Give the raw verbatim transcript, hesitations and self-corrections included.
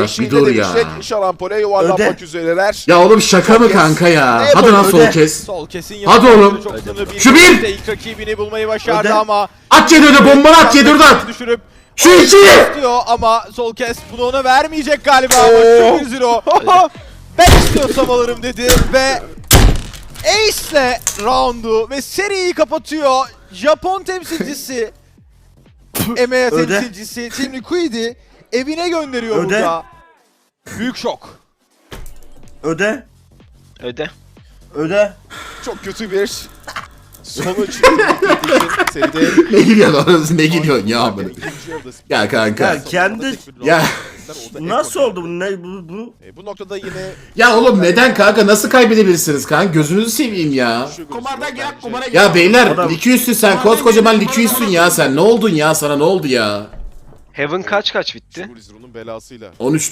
bir dur ya. Şarampole yuvarlanmak üzereler. Ya oğlum şaka mı kanka ya? Hadi lan sol kes. Sol kesin Hadi oğlum. Çok sınırlı bir Şu bir. işte ilk rakibini bulmayı başardı Öde. ama At yedi bombanı at yedi oradan. düşürüp Şu iki. istiyor ama sol kes bunu ona vermeyecek galiba ama şu bir zero. Ben istiyorsam alırım dedi ve Ace'le roundu ve seriyi kapatıyor. Japon temsilcisi E M E A Öde. temsilcisi Team Liquid'i evine gönderiyor Öde. burada. Büyük şok. Öde. Öde. Öde. Çok kötü bir sonuç için seride. Ne gülüyorsun orası ne gülüyorsun ya amına. Ya kanka. Ya kendi- Ya. Nasıl oldu bu? Ne bu? bu? E, bu noktada yine Ya oğlum neden kanka nasıl kaybedebilirsiniz kanka gözünüzü seveyim ya. şu Kumarda gözüküyor gel, bence. kumara gel. Ya beyler Adam- Liquius'sun sen koskocaman Liquius'sun ya sen ne oldun ya sana ne oldu ya? Heaven kaç kaç bitti? Şu Blizzard'ın belasıyla. on üç